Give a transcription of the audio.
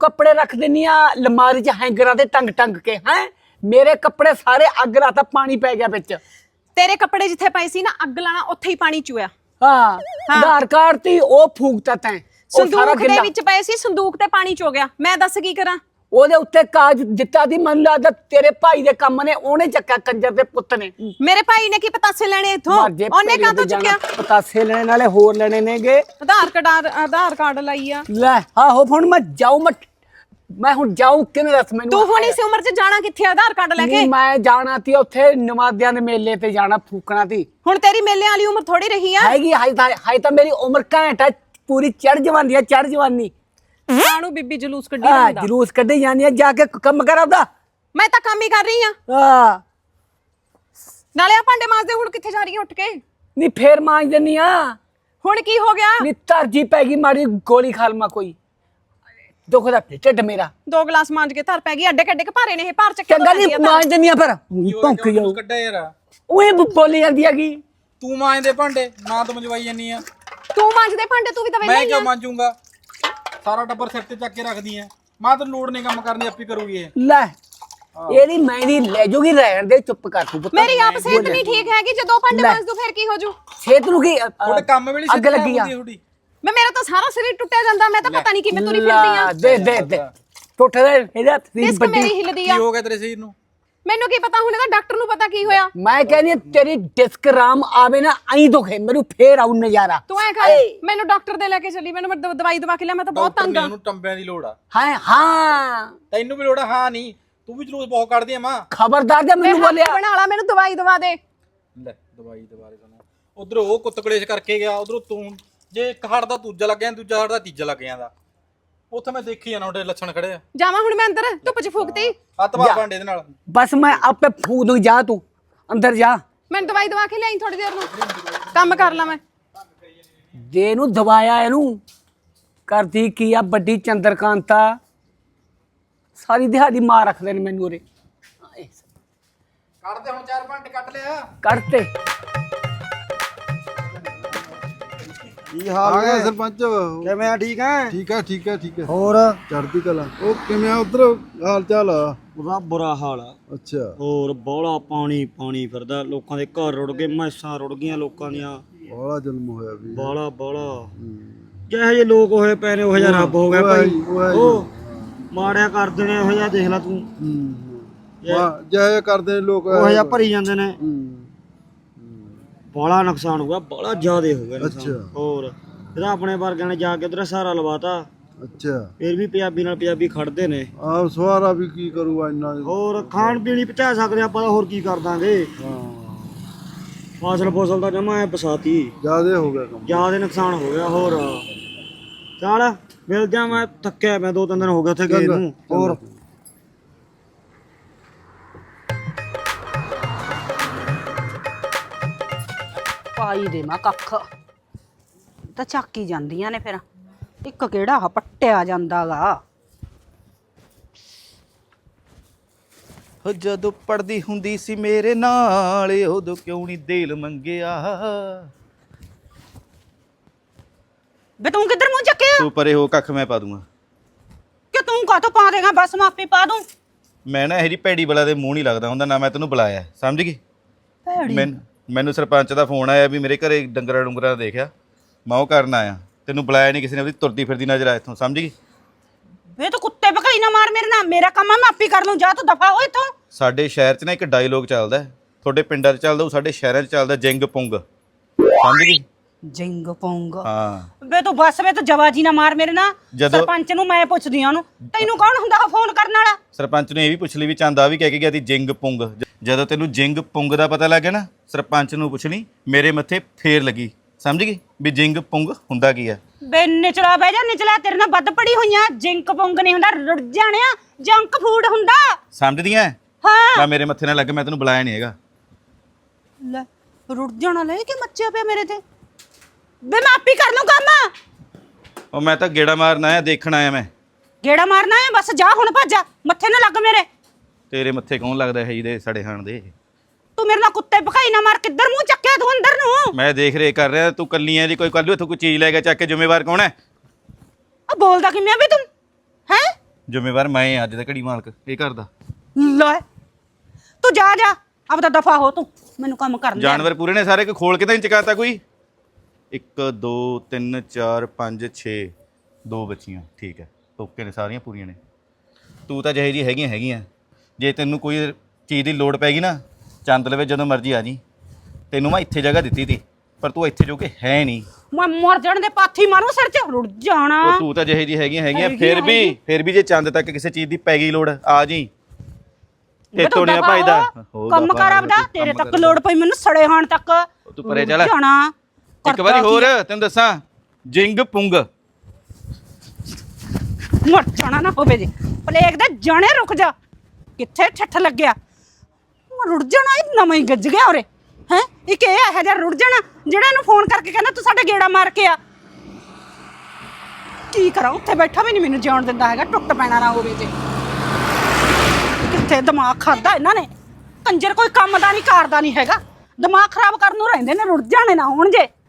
कपड़े रख देनी अलमारी च हैंगरां ते टंग टंग के हैं मेरे कपड़े सारे अग लाता पानी पै गया बिच तेरे कपड़े जिथे पए सी ना अग लाना उत्थे ही पानी चुया हाँ आधार कार्ड ती ओ फूकता तैं ओ सारा संदूक दे गिल्ला विच पए सी संदूक ते पानी चो गया मैं दस की करा ओदे उत्ते काज दित्ता दी मन लगदा तेरे भाई दे काम ने ओने चक्का कंजर दे पुੱਤ ने मेरे भाई ने की पतासे लेने इथों ओने का तो चुक्या पतासे लेने नाले होर लेने नेगे आधार कार्ड लाईया ले आहो हुण मैं हुण जाऊं किने दस मैनू तू हुण इस उम्र च जाना किथे आधार कार्ड लेके नहीं मैं जाना ती उत्थे नवादियां दे मेले ते जाना फूकना ती हुण तेरी मेले वाली उम्र थोड़ी रही है हैगी हाई ता मेरी उम्र घंटा पूरी चढ़ जवानी कानू बीबी जुलूस कड्डी रंदा जुलूस कड्डी जानी है जाके कम कर आपदा मैं तां काम ही कर रही हां हां नाले आ भांडे मांजदे हुण किथे जा रही है उठ के नी फेर मांज देनी आ हुण की हो गया नी तरजी पैगी मारी गोली खालमा कोई दुखदा ढिड मेरा दो गिलास मांज के धर पै गई अड्डे कड्डे के भारे ने ये भार चक्के चंगा नी मांज देनी आ पर भौंक जाओ ਕੱਢਿਆ ਯਾਰ ओए बोली ਜਾਂਦੀ ਹੈਗੀ ਤੂੰ ਮਾਂਜਦੇ ਭਾਂਡੇ ਨਾ ਤੂੰ ਮੰਜਵਾਈ ਜਾਨੀ ਆ तू मांजदे भांडे तू भी तो ਮੈਂ वेला ही ਕਿਉਂ ਮਾਂਜੂਗਾ ਸਾਰਾ ਟੱਬਰ ਸਿਰ ਤੇ ਚੱਕ ਕੇ ਰੱਖਦੀ ਆ ਮਾਂ ਤਾਂ ਲੋੜ ਨਹੀਂ ਕੰਮ ਕਰਨੀ ਆਪੀ ਕਰੂਗੀ ਇਹ ਲੈ ਇਹਦੀ ਮੈਂਦੀ ਲੈ ਜੂਗੀ ਰਹਿਣ ਦੇ ਚੁੱਪ ਕਰ ਤੂੰ ਪੁੱਤ मेरी आप सेहत नहीं ठीक है कि जो दो भांडे मांज दूं फिर की हो जू ਛੇਤ ਨੂੰ ਕੀ ਤੁਹਾਡੇ ਕੰਮ ਵੇਲੇ ਅੱਗ ਲੱਗੀ ਆ ਥੋੜੀ मैं मेरा तो सारा शरीर टूटा ਜਾਂਦਾ मैं तो पता नहीं कि मैं तुरी फिरदी आ ਦੇ ਟੁੱਟ ਰਿਹਾ ਇਹਦਾ ਸਰੀਰ डिस्क ਵੱਡੀ मेरी हिलदी ਕੀ आ ਹੋ ਗਿਆ ਤੇਰੇ ਸਰੀਰ ਨੂੰ ਮੈਨੂੰ ਕੀ ਪਤਾ ਹੁਣ ਇਹਦਾ ਡਾਕਟਰ ਨੂੰ ਪਤਾ ਕੀ ਹੋਇਆ ਮੈਂ ਕਹਿੰਦੀ ਤੇਰੀ ਡਿਸਕ ਰਾਮ ਆਵੇ ਨਾ ਐਂ ਦੁਖੇ ਮੈਨੂੰ ਫੇਰ ਆਉ ਨਜ਼ਾਰਾ ਤੂੰ ਐ ਕਰ ਮੈਨੂੰ ਡਾਕਟਰ ਦੇ ਲੈ ਕੇ ਚੱਲੀ ਮੈਨੂੰ ਦਵਾਈ ਦਵਾ ਕੇ ਲਿਆ ਮੈਂ ਤਾਂ ਬਹੁਤ ਤੰਗ ਆ ਉਹਨੂੰ ਟੰਬਿਆਂ ਦੀ ਲੋੜ ਆ ਹਾਂ ਤੈਨੂੰ ਵੀ ਲੋੜ ਆ ਹਾਂ ਨਹੀਂ ਤੂੰ ਵੀ ਜਲੂਸ ਬਹੁਤ ਕੱਢਦੀ ਆ ਮਾਂ ਖਬਰਦਾਰ ਜੇ ਮੈਨੂੰ ਬੋਲਿਆ ਬਣਾ ਲਾ ਮੈਨੂੰ ਦਵਾਈ ਦਵਾ ਦੇ ਲੈ ਦਵਾਈ ਦੁਬਾਰੇ ਸਾਨੂੰ ਉਧਰ ਉਹ ਕੁੱਤ ਕਲੇਸ਼ ਕਰਕੇ ਗਿਆ ਉਧਰੋਂ ਤੂੰ ਜੇ ਇੱਕ ਹੜ ਦਾ ਦੂਜਾ ਲੱਗ ਗਿਆ ਦੂਜਾ ਹੜ ਦਾ ਤੀਜਾ ਲੱਗ ਜਾਂਦਾ ਉੱਥੇ ਮੈਂ ਦੇਖੀ ਜਾਣਾ ਉਹਦੇ ਲੱਛਣ ਖੜੇ ਆ ਜਾਵਾਂ ਹੁਣ ਮੈਂ ਅੰਦਰ ਧੁੱਪ 'ਚ ਫੂਕਤੀ ਹੱਥ ਬਾਹ ਭਾਂਡੇ ਦੇ ਨਾਲ ਬਸ ਮੈਂ ਆਪੇ ਫੂਕ ਦੂੰ ਜਾ ਤੂੰ ਅੰਦਰ ਜਾ ਮੈਨੂੰ ਦਵਾਈ ਦਵਾ ਕੇ ਲਿਆਈ ਥੋੜੀ ਦੇਰ ਨੂੰ ਕੰਮ ਕਰ ਲਾ ਮੈਂ ਦੇ ਨੂੰ ਦਵਾਇਆ ਇਹਨੂੰ ਕਰਦੀ ਕੀ ਆ ਵੱਡੀ ਚੰਦਰਕਾਂਤਾ ਸਾਰੀ ਦਿਹਾੜੀ ਮਾਰ ਰੱਖਦੇ ਨੇ ਮੈਨੂੰ ਉਰੇ ਕੱਢ ਦੇ ਹੁਣ 4 ਭਾਂਡੇ ਕੱਢ ਲਿਆ ਕਰਤੇ ਕੀ ਹਾਲ ਆ ਗਿਆ ਹੈ ਸਰਪੰਚ ਕਿਵੇਂ ਆ ਠੀਕ ਹੈ ਠੀਕ ਹੈ ਹੋਰ ਚੜ੍ਹਦੀ ਕਲਾ ਉਹ ਕਿਵੇਂ ਆ ਉਧਰ ਹਾਲ ਚਾਲ ਆ ਉਹਦਾ ਬੁਰਾ ਹਾਲ ਆ ਅੱਛਾ ਹੋਰ ਬੋਲਾ ਪਾਣੀ ਫਿਰਦਾ ਲੋਕਾਂ ਦੇ ਘਰ ਰੁੜ ਗਏ ਮੈਸਾਂ ਰੁੜ ਗਈਆਂ ਲੋਕਾਂ ਦੀਆਂ ਬੜਾ ਜ਼ੁਲਮ ਹੋਇਆ ਵੀ ਬੋਲਾ ਜਿਹੇ ਜਿਹੇ ਲੋਕ ਹੋਏ ਪਏ ਨੇ ਉਹ ਜਿਹਾ ਰੱਬ ਹੋ ਗਿਆ ਭਾਈ ਉਹ ਮਾੜਿਆ ਕਰਦੇ ਨੇ ਉਹ ਜਿਹਾ ਦੇਖ ਲੈ ਤੂੰ ਵਾਹ ਜੈ ਕਰਦੇ ਨੇ ਲੋਕ ਉਹ ਜਿਹਾ ਭਰੀ ਜਾਂਦੇ ਨੇ ਬੜਾ ਨੁਕਸਾਨ ਹੋ ਗਿਆ ਬੜਾ ਜ਼ਿਆਦੇ ਹੋ ਗਿਆ ਨੁਕਸਾਨ। ਅੱਛਾ। ਹੋਰ ਇਹਦਾ ਆਪਣੇ ਵਰਗਿਆਂ ਨੇ ਜਾ ਕੇ ਉਧਰ ਸਹਾਰਾ ਲਵਾਤਾ ਅੱਛਾ ਫਿਰ ਵੀ ਪੰਜਾਬੀ ਨਾਲ ਪੰਜਾਬੀ ਖੜਦੇ ਨੇ ਆ ਸਵਾਰਾ ਵੀ ਕੀ ਕਰੂਗਾ ਇੰਨਾ ਹੋਰ ਖਾਣ ਪੀਣ ਹੀ ਪਹੁੰਚਾ ਸਕਦੇ ਆਪਾਂ ਤਾਂ ਹੋਰ ਕੀ ਕਰ ਦਾਂਗੇ ਹਾਂ ਫਸਲ ਦਾ ਜਮਾ ਐ ਬਸਾਤੀ ਜ਼ਿਆਦੇ ਹੋ ਗਿਆ ਕੰਮ ਜ਼ਿਆਦਾ ਨੁਕਸਾਨ ਹੋ ਗਿਆ ਹੋਰ ਚੱਲ ਮਿਲ ਜਾ ਮੈਂ ਥੱਕਿਆ ਮੈਂ 2-3 ਦਿਨ ਹੋ ਗਏ ਉੱਥੇ ਗਏ ਨੂੰ ਹੋਰ ਪਾਈ ਦੇ ਮਾ ਕੱਖ ਤਾਂ ਚੱਕੀ ਜਾਂਦੀਆਂ ਨੇ ਫਿਰ ਇੱਕ ਕਿਹੜਾ ਆ ਪੱਟਿਆ ਜਾਂਦਾਗਾ ਹੋ ਜਦੋਂ ਪੜਦੀ ਹੁੰਦੀ ਸੀ ਮੇਰੇ ਨਾਲ ਉਦੋਂ ਕਿਉਂ ਨਹੀਂ ਦਿਲ ਮੰਗਿਆ ਬੇ ਤੂੰ ਕਿੱਧਰ ਮੂੰਹ ਚੱਕਿਆ ਤੂੰ ਪਰੇ ਹੋ ਕੱਖ ਮੈਂ ਪਾ ਦੂੰਗਾ ਕਿ ਤੂੰ ਕਾਹਤੋਂ ਪਾ ਦੇਗਾ ਬਸ ਮਾਫੀ ਪਾ ਦੂੰ ਮੈਂ ਨਾ ਇਹਦੀ ਭੈੜੀ ਬਲਾ ਦੇ ਮੂੰਹ ਨਹੀਂ ਲੱਗਦਾ ਹੁੰਦਾ ਨਾ ਮੈਂ ਤੈਨੂੰ ਬੁਲਾਇਆ ਸਮਝ ਗਈ ਮੈਨੂੰ ਸਰਪੰਚ ਦਾ ਫੋਨ ਆਇਆ ਵੀ ਮੇਰੇ ਘਰੇ ਡੰਗਰਾਂ ਦੇਖਿਆ ਮੈਂ ਉਹ ਕਰਨ ਆਇਆ ਤੈਨੂੰ ਬੁਲਾਇਆ ਨਹੀਂ ਕਿਸੇ ਨੇ ਉਹਦੀ ਤੁਰਦੀ ਫਿਰਦੀ ਨਜ਼ਰ ਆ ਇੱਥੋਂ ਸਮਝ ਗਈ ਵੇ ਤੂੰ ਕੁੱਤੇ ਭਕਾਈ ਨਾ ਮਾਰ ਮੇਰੇ ਨਾਲ ਮੇਰਾ ਕੰਮ ਆ ਮੈਂ ਆਪੇ ਕਰ ਲੂੰ ਜਾ ਤੂੰ ਦਫਾ ਹੋ ਇੱਥੋਂ ਸਾਡੇ ਸ਼ਹਿਰ 'ਚ ਨਾ ਇੱਕ ਡਾਇਲੋਗ ਚੱਲਦਾ ਤੁਹਾਡੇ ਪਿੰਡਾਂ 'ਚ ਚੱਲਦਾ ਉਹ ਸਾਡੇ ਸ਼ਹਿਰਾਂ 'ਚ ਚੱਲਦਾ ਜਿੰਗ ਪੁੰਗ ਸਮਝ ਗਈ ਜਿੰਗ ਪਉਂਗ ਹਾਂ ਵੇ ਤੂੰ ਬਸ ਵੇ ਤੂੰ ਜਵਾਜੀ ਨਾ ਮਾਰ ਮੇਰੇ ਨਾਲ ਜਦੋਂ- ਸਰਪੰਚ ਨੂੰ ਮੈਂ ਪੁੱਛਦੀ ਆ ਉਹਨੂੰ ਤੈਨੂੰ ਕੌਣ ਹੁੰਦਾ ਫੋਨ ਕਰਨ ਵਾਲਾ ਸਰਪੰਚ ਨੇ ਇਹ ਵੀ ਪੁੱਛ ਲਈ ਵੀ ਚੰਦਾ ਵੀ ਕਹਿ ਕੇ ਗਿਆ ਸੀ ਜਿੰਗ ਪੁੰਗ ਜਦੋਂ ਤੈਨੂੰ ਜਿੰਗ ਪੁੰਗ ਦਾ ਪਤਾ ਲੱਗ ਗਿਆ ਨਾ ਸਰਪੰਚ ਨੂੰ ਪੁੱਛਣੀ ਮੇਰੇ ਮੱਥੇ ਫੇਰ ਲੱਗੀ ਸਮਝ ਗਈ ਵੀ ਜਿੰਗ ਪੁੰਗ ਹੁੰਦਾ ਕੀ ਆ ਬੇ ਨਿਚਲਾ ਬਹਿ ਜਾ ਨਿਚਲਾ ਤੇਰੇ ਨਾਲ ਵੱਧ ਪੜੀ ਹੋਈਆਂ ਜਿੰਕ ਪੁੰਗ ਨਹੀਂ ਹੁੰਦਾ ਰੁੜ ਜਾਣਿਆ ਜੰਕ ਫੂਡ ਹੁੰਦਾ ਸਮਝਦੀਆਂ ਹਾਂ ਮੈਂ ਮੇਰੇ ਮੱਥੇ ਨਾਲ ਲੱਗ ਮੈਂ ਤੈਨੂੰ ਬੁਲਾਇਆ ਨਹੀਂ ਹੈਗਾ ਲੈ ਰੁੜ ਜਾਣਾ ਲੈ ਕੇ ਮੱਚਿਆ ਪਿਆ ਮੇਰੇ ਤੇ ਬੇ ਮੈਂ ਆਪੀ ਕਰ ਲੂੰ ਕੰਮ ਉਹ ਮੈਂ ਤਾਂ ਗੇੜਾ ਮਾਰਨ ਆਇਆ ਦੇਖਣ ਆਇਆ ਮੈਂ ਗੇੜਾ ਮਾਰਨਾ ਹੈ ਬਸ ਜਾ ਹੁਣ ਭੱਜ ਜਾ ਮੱਥੇ ਨਾ ਲੱਗ ਮੇਰੇ ਤੇਰੇ ਮੱਥੇ ਕੌਣ ਲੱਗਦਾ ਹੈ ਜਿਹਦੇ ਸੜੇ ਹਾਣ ਦੇ ਤੂੰ ਮੇਰੇ ਨਾਲ ਕੁੱਤੇ ਭਕਾਈ ਨਾ ਮਾਰ ਕਿੱਧਰ ਮੂੰਹ ਚੱਕਿਆ ਤੂੰ ਅੰਦਰ ਨੂੰ ਮੈਂ ਦੇਖ ਰੇ ਕਰ ਰਿਹਾ ਤੂੰ ਕੱਲੀ ਐ ਜੀ ਕੋਈ ਕੱਲ ਨੂੰ ਇੱਥੋਂ ਕੋਈ ਚੀਜ਼ ਲੈ ਕੇ ਚੱਕ ਕੇ ਜ਼ਿੰਮੇਵਾਰ ਕੌਣ ਹੈ ਆ ਬੋਲਦਾ ਕਿਵੇਂ ਵੀ ਤੂੰ ਹੈ ਜ਼ਿੰਮੇਵਾਰ ਮੈਂ ਆ ਅੱਜ ਦਾ ਘੜੀ ਮਾਲਕ ਇਹ ਘਰ ਦਾ। ਲੈ ਤੂੰ ਜਾ ਜਾ ਆਪਦਾ ਦਫਾ ਹੋ ਤੂੰ, ਮੈਨੂੰ ਕੰਮ ਕਰਨ ਦੇ। ਜਾਨਵਰ ਪੂਰੇ ਨੇ ਸਾਰੇ, ਕੋਈ ਖੋਲ ਕੇ ਤਾਂ ਨਹੀਂ ਚਕਾਤਾ ਕੋਈ? 1 2 3 4 5 6 2 ਬੱਚੀਆਂ ਠੀਕ ਹੈ, ਓਕੇ ਨੇ, ਸਾਰੀਆਂ ਪੂਰੀਆਂ ਨੇ। ਤੂੰ ਤਾਂ ਜਿਹੇ ਜੀ ਹੈਗੀਆਂ ਜੇ ਤੈਨੂੰ ਕੋਈ ਚੀਜ਼ ਦੀ ਲੋੜ ਪੈਗੀ ਨਾ ਚੰਦ ਲਵੇ ਜਦੋਂ ਮਰਜ਼ੀ ਆ ਜੀ। ਤੈਨੂੰ ਮੈਂ ਇੱਥੇ ਜਗ੍ਹਾ ਦਿੱਤੀ ਤੀ ਪਰ ਤੂੰ ਇੱਥੇ ਜੋ ਕਿ ਹੈ ਨਹੀਂ। ਮੈਂ ਮਰ ਜਾਣ ਦੇ ਪਾਥੀ ਮਾਰੂ ਸਿਰ 'ਚ ਰੁੜ ਜਾਣਾ। ਉਹ ਤੂੰ ਤਾਂ ਜਿਹੇ ਜੀ ਹੈਗੀਆਂ ਫਿਰ ਵੀ ਜੇ ਚੰਦ ਤੱਕ ਕਿਸੇ ਚੀਜ਼ ਦੀ ਪੈ ਗਈ ਲੋੜ ਆ ਜੀ। ਤੇਤੋਂ ਨਹੀਂ ਭਾਈ ਦਾ ਕੰਮ ਕਰ ਆਪਦਾ, ਤੇਰੇ ਤੱਕ ਲੋੜ ਪਈ ਮੈਨੂੰ ਸੜੇ ਹਾਣ ਤੱਕ ਤੂੰ ਪਰੇ ਚੱਲ। ਜਾਣਾ ਇੱਕ ਵਾਰੀ ਹੋਰ ਤੈਨੂੰ ਦੱਸਾਂ, ਜਿੰਗ ਪੁੰਗ ਮਰ ਜਾਣਾ ਨਾ ਹੋਵੇ ਜੇ ਪਲੇਗ ਦੇ ਜਾਣੇ ਰੁਕ ਜਾ, ਕਿੱਥੇ ਠੱਠ ਲੱਗਿਆ ਰੁੜ ਜਾਣਾ। ਇਹ ਨਵਾਂ ਹੀ ਗੱਜ ਗਿਆ ਉਰੇ ਹੈ। ਇੱਕ ਇਹ ਇਹੋ ਜਿਹਾ ਰੁੜ ਜਾਣਾ ਜਿਹੜਾ ਇਹਨੂੰ ਫੋਨ ਕਰਕੇ ਕਹਿੰਦਾ ਤੂੰ ਸਾਡੇ ਗੇੜਾ ਮਾਰ ਕੇ ਆ। ਕੀ ਕਰਾਂ, ਉੱਥੇ ਬੈਠਾ ਵੀ ਨਹੀਂ ਮੈਨੂੰ ਜਿਉਣ ਦਿੰਦਾ ਹੈਗਾ, ਟੁੱਟ ਪੈਣਾ ਨਾ ਹੋਵੇ ਜੇ। ਕਿੱਥੇ ਦਿਮਾਗ ਖਾਦਾ ਇਹਨਾਂ ਨੇ, ਕੰਜਰ ਕੋਈ ਕੰਮ ਦਾ ਨਹੀਂ ਕਰਦਾ ਨਹੀਂ ਹੈਗਾ, ਦਿਮਾਗ ਖਰਾਬ ਕਰਨ ਨੂੰ ਰਹਿੰਦੇ ਨੇ, ਰੁੜ ਜਾਣੇ ਨਾ ਹੋਣ ਜੇ।